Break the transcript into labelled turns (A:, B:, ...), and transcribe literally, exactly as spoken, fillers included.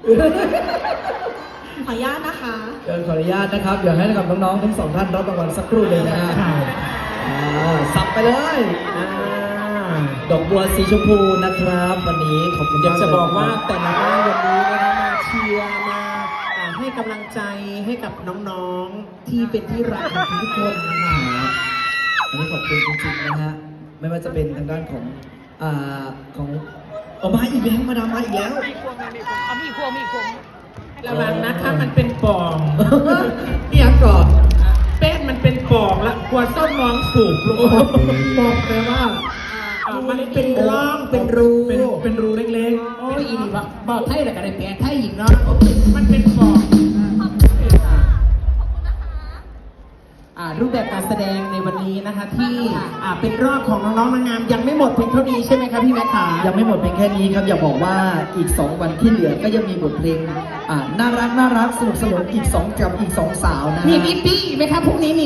A: ขออนุญาตนะคะ
B: เชิญขออนุญาตนะครับเดี๋ยวให้กับน้องๆทั้งสองท่านรับรางวัลสักครู่เลยนะฮะอ่าสับไปเลยอ่าดอกบัวสีชมพูนะครับวันนี้ขอบคุณ
C: อยาก
B: ม
C: จะ
B: เลย
C: บอกว่าแต่ละบ้านวันนี้นะคะมาเชียร์มาอ่าให้กำลังใจให้กับน้องๆที่เป็นที่รักของทุกคนนะคะ
B: อันนี้ขอบคุณจริงๆนะฮะไม่ว่าจะเป็นทางด้านของอ่าของออกมาอีกแล้วมาดามมาอีกแล้ว
D: เอามีพวงมีพวง
C: ระวังนะคะมันเป็นปอง
B: เอียงก่อน
C: แป้งมันเป็นปองละกลัวส้มน้องสูบลง
B: บอกแปลว่า
C: อ่ามันเป็นร่องเป็นรู
B: เป็นเป็นรูเล็ก
D: โอ้ยอีนี่บอกบอกไทยแต่ก็ได้แปลไทยอีกเนาะ
C: มันเป็นปอง
D: อ่ารูปแบบการแสดงในวันนี้นะคะที่อ่าเป็นรอบของน้องๆนางงามยังไม่หมดเพียงเท่านี้ใช่ไหมครับพี่แม่ขา
B: ๆยังไม่หมดเพียงแค่นี้ครับอย่าบอกว่าอีกสองวันที่เหลือก็ยังมีบทเพลงอ่าน่ารักน่ารักสนุกสนุกอีกสองกับอีกสองสาวนะฮะ
D: มีปิ๊ปปี้ไหมครับพรุ่งนี้มี